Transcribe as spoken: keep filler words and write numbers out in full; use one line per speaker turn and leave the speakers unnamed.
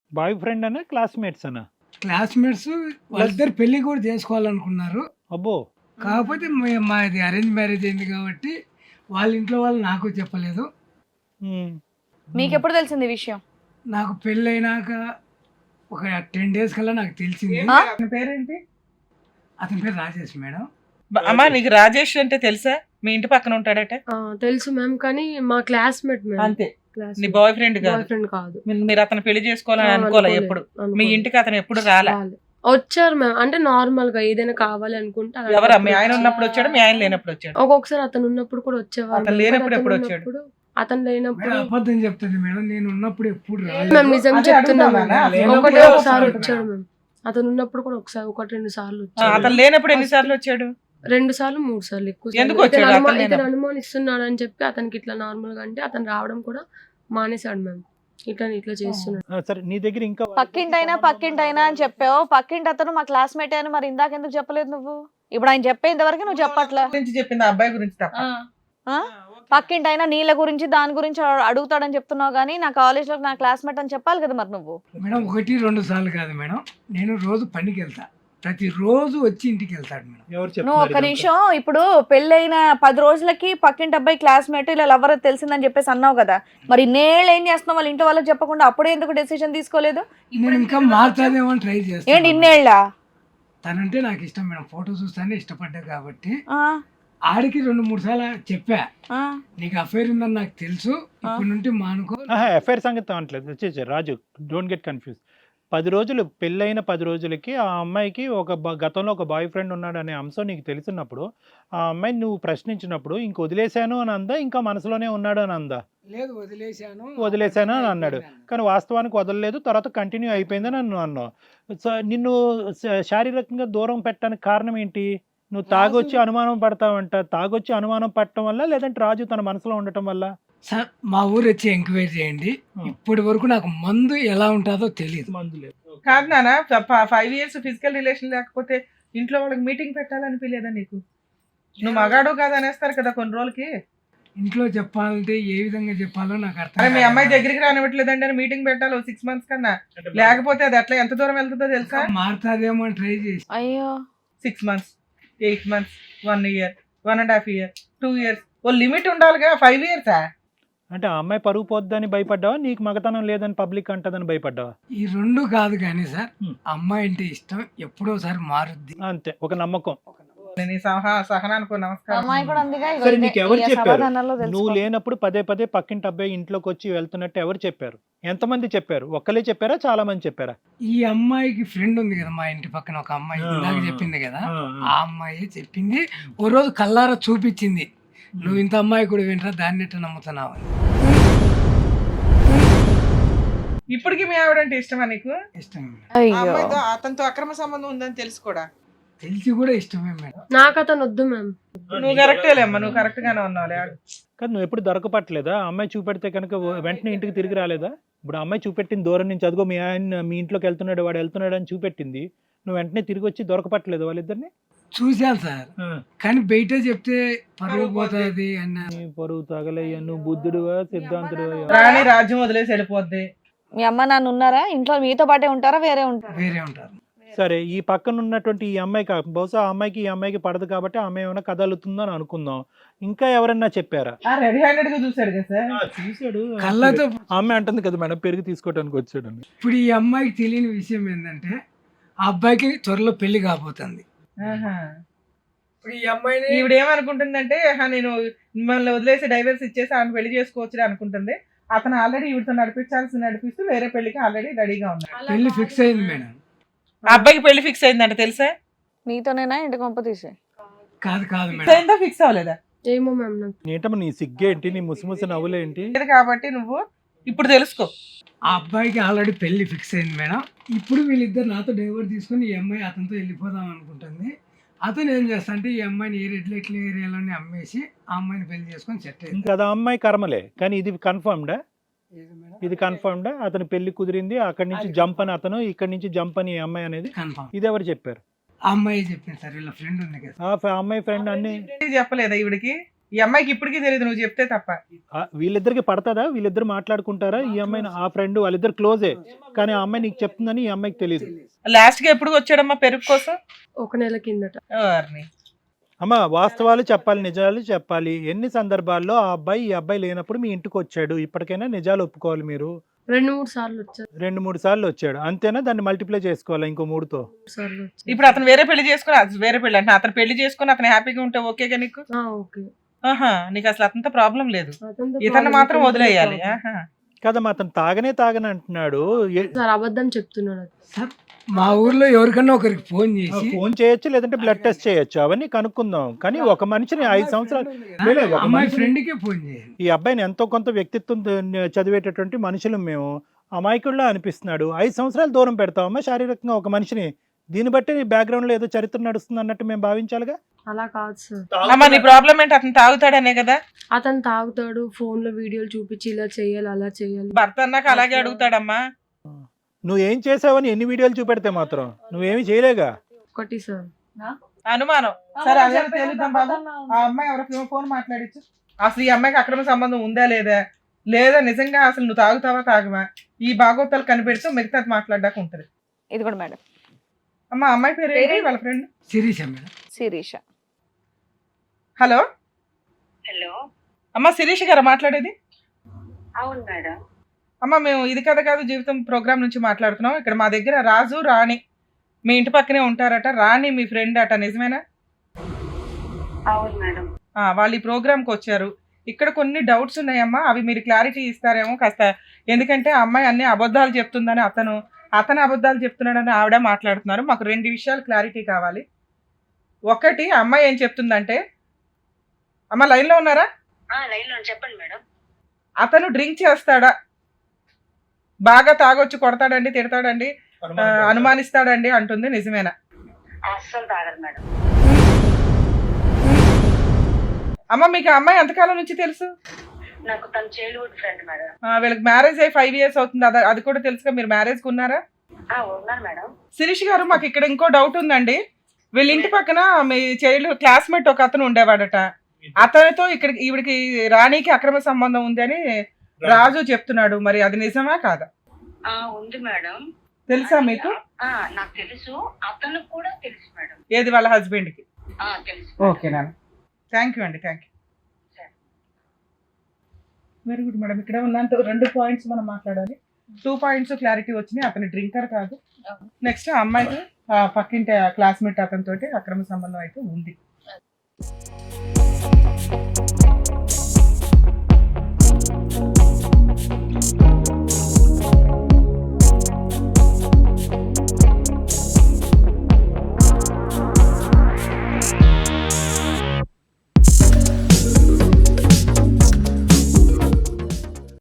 Bye boyfriend అనా classmates అనా?
Classmates వాళ్ళిద్దరు పెళ్లి కూడా చేసుకోవాలనుకున్నారు.
అబ్బో.
కాకపోతే మే- మాది అరేంజ్ మ్యారేజ్ అయింది కాబట్టి వాళ్ళ ఇంట్లో వాళ్ళు నాకు చెప్పలేదు.
ఉమ్.
మీకు ఎప్పుడు తెలిసింది ఈ విషయం?
నాకు పెళ్ళి అయినాక ఒక టెన్ డేస్ కల్లా నాకు తెలిసింది.
ఆ?
అతని పేరేంటి?
అతని పేరు రాజేష్ మేడం.
బ- అమ్మా నీకు రాజేష్ అంటే తెలుసా? మీ ఇంటి పక్కన ఉంటాడట.
ఆ, తెలుసు మ్యామ్, కానీ మా క్లాస్మేట్ మ్యామ్.
అంతే,
క్లాస్
నీ బాయ్ ఫ్రెండ్
బాయ్
కాదు.
ఫ్రెండ్ కాదు.
మీరు- మీరు అతను పెళ్లి చేసుకోవాలని
ఆ,
అనుకోలే
అనుకోలేదు,
ఎప్పుడు? మీ
అనుకోలేదు.
ఇంటికి అతను ఎప్పుడు రాలే?
రాలే. వచ్చారు మ్యామ్, అంటే నార్మల్ గా ఏదైనా కావాలి అనుకుంటే అలా
ఎవరా? మీ ఆయన
వచ్చారు.
ఉన్నప్పుడు వచ్చాడు, మీ ఆయన లేనప్పుడు వచ్చాడు?
ఒక్కొక్కసారి అతను ఉన్నప్పుడు కూడా వచ్చేవారు.
అతను
మ్యామ్.
లేనప్పుడు
అతను
ఎప్పుడు వచ్చాడు?
ఉన్నప్పుడు- అతను లేనప్పుడు
మేడం అబద్ధం చెప్తుంది మేడం. నేను ఉన్నప్పుడు ఎప్పుడు రాలేదు.
మేము నిజం
అదే
చెప్తున్నాం
అడుగుతానా?
మ్యామ్.
లేనప్పుడు
ఒకటే
ఎవరు
ఒకసారి
వస్తారు
వచ్చాడు
మేడం?
మ్యామ్. అతను ఉన్నప్పుడు కూడా ఒకసారి ఒకటి రెండు సార్లు
ఆ,
వచ్చాడు.
అతను లేనప్పుడు ఎన్నిసార్లు వచ్చాడు?
రెండు సార్లు మూడు సార్లు ఎక్కువ
ఎందుకు
సార్లు.
వచ్చాడు
ఇతను అనుమా-
అతను
ఇతను
లేనప్పుడు?
అనుమానిస్తున్నాడు అని చెప్పి అతనికి ఇట్లా నార్మల్ గా అంటే అతను రావడం కూడా మానేశాడు మ్యామ్. ఇట్లా ఇట్లా చేస్తున్నాడు.
ఆ, సరే నీ దగ్గర ఇంకా
పక్కింటైనా పక్కింటైనా అని చెప్పావు. పక్కింటి అతను మా క్లాస్మేట్ అని మరి ఇందాక ఎందుకు చెప్పలేదు నువ్వు? ఇప్పుడు ఆయన చెప్పేంత వరకు నువ్వు చెప్పట్లా.
గురించి చెప్పింది ఆ అబ్బాయి గురించి తప్ప.
ఆ? పక్కింటైనా నీళ్ళ గురించి దాని గురించి అడుగుతాడని చెప్తున్నావు కానీ నా కాలేజ్ లో నా క్లాస్మేట్ అని చెప్పాలి కదా మరి నువ్వు.
మేడం ఒకటి రెండు సార్లు కాదు మేడం. నేను రోజు పనికి వెళ్తా. ప్రతి రోజు వచ్చి ఇంటికి వెళ్తాడు మేడం.
ఎవరు
నువ్వు
చెప్తున్నారు
ఒక్క
ఇదంతా?
నిమిషం, ఇప్పుడు పెళ్ళైన పది రోజులకి పక్కింటి అబ్బాయి క్లాస్మేట్ ఇలా ఎవరో తెలిసిందని చెప్పేసి అన్నావు కదా, మరి నేళ్ళు ఏం చేస్తున్నావు వాళ్ళ ఇంట్లో వాళ్ళకి చెప్పకుండా అప్పుడే ఎందుకు డెసిషన్ తీసుకోలేదు?
నేను ఇంకా మారుతాదేమో అని ట్రై
ఏంటి
చేస్తాను.
ఇన్నేళ్ళ?
తనంటే నాకు ఇష్టం మేడం. ఫోటో చూస్తానే ఇష్టపడ్డా కాబట్టి ఆడికి రెండు మూడు సార్లు చెప్పా, నీకు అఫైర్ ఉందని నాకు తెలుసు, ఇప్పటి నుండి మానుకో.
ఎఫ్ఐఆర్ సంగతి అనట్లేదు. వచ్చేసి రాజు, డోంట్ గెట్ కన్ఫ్యూజ్. పది రోజులు పెళ్ళైన పది రోజులకి ఆ అమ్మాయికి ఒక బ- గతంలో ఒక బాయ్ ఫ్రెండ్ ఉన్నాడు అనే అంశం నీకు తెలిసినప్పుడు ఆ అమ్మాయిని నువ్వు ప్రశ్నించినప్పుడు ఇంక వదిలేశాను అని అందా, ఇంకా మనసులోనే ఉన్నాడు అని అందా?
లేదు వదిలేశాను
వదిలేశాను అని అన్నాడు. కానీ వాస్తవానికి వదలలేదు, తర్వాత కంటిన్యూ అయిపోయిందని నన్ను అన్నావు. సో నిన్ను శ- శారీరకంగా దూరం పెట్టడానికి కారణం ఏంటి? నువ్వు తాగొచ్చి అనుమానం పడతావంట. తాగొచ్చి అనుమానం పడటం వల్ల, లేదంటే రాజు తన మనసులో ఉండటం వల్ల?
సార్ మా ఊరు వచ్చి ఎంక్వైరీ చేయండి. ఇప్పటి వరకు నాకు మందు ఎలా ఉంటుందో తెలియదు.
మందు లేదు.
కాదు నాన్న, ఫైవ్ ఇయర్స్ ఫిజికల్ రిలేషన్ లేకపోతే ఇంట్లో వాళ్ళకి మీటింగ్ పెట్టాలనిపించలేదా నీకు? నువ్వు మగాడు కాదు అనేస్తారు కదా కొన్ని రోజులకి.
ఇంట్లో చెప్పాలంటే ఏ విధంగా చెప్పాలో నాకు అర్థం
అరే మీ
కాదు.
అమ్మాయి దగ్గరికి రానివ్వట్లేదండి అని మీటింగ్ పెట్టాలి సిక్స్ మంత్స్ కన్నా. లేకపోతే అది అట్లా ఎంత దూరం వెళ్తుందో తెలుసా?
మారుతాదేమో అని ట్రై చేసి
అయ్యో,
six months, eight months, one year, one and half year, two years, ఓ లిమిట్ ఉండాలిగా. ఫైవ్ ఇయర్సా?
అంటే ఆ అమ్మాయి పరుగు పోద్దని భయపడ్డావా, నీకు మగతనం లేదని పబ్లిక్ అంటదని భయపడ్డావా?
ఈ రెండు కాదు కానీ సార్,
హ్మ్.
అమ్మాయి అంటే ఇష్టం, ఎప్పుడోసారి మారుద్ది.
అంతే, ఒక నమ్మకం.
నేను ఈ సహా సహనానికి నమస్కారం.
అమ్మాయి కూడా అందుగా ఇగో
సరే,
ఇదే-
నీకు ఎవరు
ఈ
చెప్పారు?
సమాధానాల్లో
నువ్వు
తెలుసుకో.
లేనప్పుడు పదే పదే పక్కింటి అబ్బాయి ఇంట్లోకి వచ్చి వెళ్తున్నట్టు ఎవరు చెప్పారు? ఎంతమంది చెప్పారు? ఒక్కలే చెప్పారా, చాలా మంది చెప్పారా?
ఈ అమ్మాయికి ఫ్రెండ్ ఉంది కదా మా ఇంటి పక్కన ఒక అమ్మాయి,
ఆ,
ఇందాక
ఆ,
చెప్పింది కదా,
ఆ,
ఆ అమ్మాయి చెప్పింది. ఓ రోజు కల్లారా చూపించింది, నువ్వు ఇంత అమ్మాయి కూడా వింటరా, దాన్ని ఎట్లా నమ్ముతున్నావు అని.
ఇప్పటికి మీ ఆవిడంటే ఇష్టమా నీకు?
ఇష్టమే మేడం.
ఆ
అయ్యో,
అమ్మాయితో అతనితో అక్రమ సంబంధం ఉందని తెలుసు కూడా.
తెలిసి కూడా ఇష్టమే మేడం.
నాకు అతను వద్దు మ్యామ్.
నువ్వు కరెక్టేలేమ్మా, నువ్వు కరెక్ట్ గానే ఉన్నావులే.
కాదు, నువ్వు ఎప్పుడు దొరకపట్టలేదా? అమ్మాయి చూపెడితే కనుక వెంటనే ఇంటికి తిరిగి రాలేదా? ఇప్పుడు ఆ అమ్మాయి చూపెట్టింది దూరం నుంచి, అదిగో మీ ఆయన మీ ఇంట్లోకి వెళ్తున్నాడు, వాడు వెళ్తున్నాడు అని చూపెట్టింది. నువ్వు వెంటనే తిరిగి వచ్చి దొరకపట్టలేదు వాళ్ళిద్దరిని?
చూశాను సార్, కానీ బయట చెప్తే పరువు పోతుంది అన్న.
నీ పరువు తగలయ్యా, నువ్వు బుద్ధుడువా సిద్ధాంతుడువా?
రాణి రాజ్యం వదిలేసి వెళ్ళిపోద్ది.
మీ అమ్మ నాన్న ఉన్నారా ఇంట్లో? మీతో పాటే ఉంటారా, వేరే ఉంటారా?
వేరే ఉంటారు.
సరే, ఈ పక్కన ఉన్నటువంటి ఈ అమ్మాయి కా- బహుశా ఆ అమ్మాయికి ఈ అమ్మాయికి పడదు కాబట్టి ఆ అమ్మాయి ఏమైనా కదలుతుందో అని అనుకుందాం. ఇంకా ఎవరన్నా చెప్పారా?
ఆ రెడీ హ్యాండెడ్ గా చూసాడు కదా సార్.
చూసాడు.
కళ్ళతో
ఆ అమ్మాయి అంటుంది కదా మేడం, పెరుగు తీసుకోవడానికి వచ్చాడు అని.
ఇప్పుడు ఈ అమ్మాయికి తెలియని విషయం ఏంటంటే ఆ అబ్బాయికి త్వరలో పెళ్లి కాబోతుంది.
ఆహా.
ఇప్పుడు ఈ అమ్మాయిని
ఈవిడ ఏమనుకుంటుందంటే, "ఆహా, నేను మిమ్మల్ని వదిలేసి డైవర్స్ ఇచ్చేసి ఆమె పెళ్లి చేసుకోవచ్చు అనుకుంటుంది. అతను ఆల్రెడీ ఈవిడతో నడిపించాల్సి నడిపిస్తూ వేరే పెళ్లికి ఆల్రెడీ రెడీగా ఉన్నాడు.
పెళ్లి ఫిక్స్ అయింది మేడం.
ఆ అబ్బాయికి పెళ్లి ఫిక్స్ అయిందంట తెలుసా?
నీతోనేనా ఇంటి కొంప తీసే?
కాదు కాదు
ఫిక్స్
మేడం.
అయిందా, ఫిక్స్ అవ్వలేదా?
ఏమో మ్యామ్, నాకు
ఏంటమ్మా నీ సిగ్గేంటి, నీ ముసిముసి నవ్వులేంటి?
లేదు కాబట్టి నువ్వు ఇప్పుడు తెలుసుకో.
ఆ అబ్బాయికి ఆల్రెడీ పెళ్లి ఫిక్స్ అయింది మేడం. ఇప్పుడు వీళ్ళిద్దరు నాతో డైవర్స్ తీసుకొని ఈ అమ్మాయి అతనితో వెళ్ళిపోదాం అనుకుంటుంది. అతను ఏం చేస్తా అంటే ఈ అమ్మాయిని ఏ రెడ్ లైట్ ఏరియాలోనే అమ్మేసి ఆ అమ్మాయిని పెళ్లి చేసుకొని సెట్ అయింది.
ఇంకా అది ఆ అమ్మాయి కర్మలే. కానీ ఇది కన్ఫర్మ్డా? ఇది కన్ఫర్మ్డా? అతని పెళ్లి కుదిరింది, అక్కడి నుంచి జంప్ అని అతను, ఇక్కడి నుంచి జంప్ అని ఈ అమ్మాయి అనేది.
కన్ఫర్మ్.
ఇది ఎవరు చెప్పారు?
ఆ అమ్మాయి చెప్పింది సార్, వీళ్ళ ఫ్రెండ్ ఉంది కదా.
ఆ ఫ- అమ్మాయి ఫ్రెండ్ అన్ని
చెప్పలేదా ఈవిడికి? ఈ అమ్మాయికి ఇప్పటికీ తెలియదు నువ్వు చెప్తే తప్ప.
ఆ, వీళ్ళిద్దరికి పడతాదా? వీళ్ళిద్దరు మాట్లాడుకుంటారా? ఈ అమ్మాయిని ఆ ఫ్రెండ్ వాళ్ళిద్దరు క్లోజే, కానీ ఆ అమ్మాయి నీకు చెప్తుందని ఈ అమ్మాయికి తెలియదు.
లాస్ట్ గా ఎప్పుడు వచ్చాడమ్మా పెరుగు కోసం?
ఒక నెల కిందట.
ఎవరిని?
అమ్మ వాస్తవాలు చెప్పాలి, నిజాలు చెప్పాలి. ఎన్ని సందర్భాల్లో ఆ అబ్బాయి ఈ అబ్బాయి లేనప్పుడు మీ ఇంటికి వచ్చాడు? ఇప్పటికైనా నిజాలు ఒప్పుకోవాలి మీరు.
రెండు మూడు సార్లు వచ్చారు.
రెండు మూడు సార్లు వచ్చాడు అంతేనా? దాన్ని మల్టిప్లై చేసుకోవాలా ఇంకో మూడుతో?
మూడు సార్లు వచ్చారు.
ఇప్పుడు అతను వేరే పెళ్లి చేసుకుని అది వేరే పెళ్లి అంటే అతను పెళ్లి చేసుకుని అతను హ్యాపీగా ఉంటే ఓకేగా నీకు?
ఆ, ఓకే.
ఆహా, నీకు అసలు అతనితో ప్రాబ్లం లేదు,
అతనితో
ఇతను
problem
మాత్రం
లేదు.
వదిలేయాలి. ఆహా.
కదమ్మా, అతను తాగనే తాగని అంటున్నాడు. ఏ-
సార్ అబద్ధం చెప్తున్నాడు.
సార్ మా ఊర్లో ఎవరికన్నా ఒకరికి ఫోన్ చేసి
ఫోన్ చేయొచ్చు, లేదంటే బ్లడ్ టెస్ట్ చేయొచ్చు, అవన్నీ కనుక్కుందాం. కానీ ఒక మనిషిని ఐదు సంవత్సరాలు లేదు, ఒక
అమ్మాయి
మనిషిని-
ఫ్రెండ్కే ఫోన్ చేయండి.
ఈ అబ్బాయిని ఎంతో కొంత వ్యక్తిత్వం చదివేటటువంటి మనుషులు మేము. అమాయకుల్లా అనిపిస్తున్నాడు. ఐదు సంవత్సరాలు దూరం పెడతామమ్మా శారీరకంగా ఒక మనిషిని. దీన్ని బట్టి నీ బ్యాక్గ్రౌండ్ లో ఏదో చరిత్ర నడుస్తుంది అన్నట్టు మేము భావించాలిగా.
అలా కాదు సార్.
అమ్మా నీ ప్రాబ్లం ఏంటి? అతను తాగుతాడనే కదా.
అతను తాగుతాడు, ఫోన్ లో వీడియోలు చూపించి ఇలా చేయాలి అలా చేయాలి.
భర్త అన్నాక అలాగే అడుగుతాడమ్మా.
నువ్వు ఏం చేసావని ఎన్ని వీడియోలు చూపెడితే మాత్రం నువ్వేమి చేయలేగా.
ఒకటి సార్.
అనుమానం. సరే అదే తేలుద్దాం బాబు. ఆ అమ్మాయి ఎవరికి ఫోన్ మాట్లాడించు. అసలు ఈ అమ్మాయికి అక్రమ సంబంధం ఉందా లేదా, లేదా నిజంగా అసలు నువ్వు తాగుతావా తాగవా, ఈ భాగోతాలు కనిపెడుతూ మిగతా మాట్లాడడానికి ఉంటది.
ఇది కూడా మేడం.
అమ్మ అమ్మాయి పేరు ఏంటి? వాళ్ళ friend
Sirisha madam.
Sirisha.
Hello
hello,
అమ్మ శిరీష్ గారు మాట్లాడేది?
అవును మేడం.
అమ్మ మేము ఇది కథ కాదు జీవితం ప్రోగ్రామ్ నుంచి మాట్లాడుతున్నాం. ఇక్కడ మా దగ్గర రాజు రాణి మీ ఇంటి పక్కనే ఉంటారట. రాణి మీ ఫ్రెండ్ అట, నిజమేనా?
అవును మేడం.
ఆ, వాళ్ళు ఈ ప్రోగ్రామ్కి వచ్చారు. ఇక్కడ కొన్ని డౌట్స్ ఉన్నాయమ్మా, అవి మీరు క్లారిటీ ఇస్తారేమో కాస్త. ఎందుకంటే ఆ అమ్మాయి అన్ని అబద్ధాలు చెప్తుందని అతను అతను అబద్ధాలు చెప్తున్నాడని ఆవిడ మాట్లాడుతున్నారు. మాకు రెండు విషయాలు క్లారిటీ కావాలి. ఒకటి, ఆ అమ్మాయి ఏం చెప్తుందంటే, అమ్మ లైన్లో ఉన్నారా?
ఆ, లైన్లో చెప్పండి మేడం.
అతను డ్రింక్ చేస్తాడా, బాగా తాగొచ్చు, కొడతాడండి, తిడతాడండి, ఆ, అనుమానిస్తాడండి అంటుంది, నిజమేనా?
అస్సలు తాగదు మేడం.
అమ్మ మీకు ఆ అమ్మాయి ఎంతకాలం నుంచి తెలుసు?
నాకు తన చైల్డ్హుడ్ ఫ్రెండ్ మేడం.
ఆ, వీళ్ళకి మ్యారేజ్ అయ్యి ఫైవ్ ఇయర్స్ అవుతుంది. అది అది కూడా తెలుసుగా. మీరు మ్యారేజ్కి ఉన్నారా?
ఆ, ఉన్నాను మేడం.
శిరీష్ గారు, మాకు ఇక్కడ ఇంకో డౌట్ ఉందండి. వీళ్ళ ఇంటి పక్కన మీ చైల్డ్ క్లాస్మేట్ ఒక అతను ఉండేవాడట. అతనితో ఇక్కడ ఈవిడికి రాణికి అక్రమ సంబంధం ఉంది అని రాజు చెప్తున్నాడు. మరి అది నిజమా కాదా?
ఆ, ఉంది మేడం.
తెలుసా మీకు?
ఆ, నాకు తెలుసు, అతను కూడా తెలుసు మేడం.
ఏది? వాళ్ళ హస్బెండ్ కి?
ఆ, తెలుసు.
ఓకే నాన్న, థ్యాంక్ యూ అండి, thank you. Very good madam. ఇక్కడ ఉన్నంత రెండు పాయింట్స్ మనం మాట్లాడాలి. టూ పాయింట్స్ క్లారిటీ వచ్చినాయి. అతను డ్రింకర్ కాదు. నెక్స్ట్ అమ్మాయికి ఆ, పక్కింటి క్లాస్మేట్ అతనితోటి అక్రమ సంబంధం అయితే ఉంది.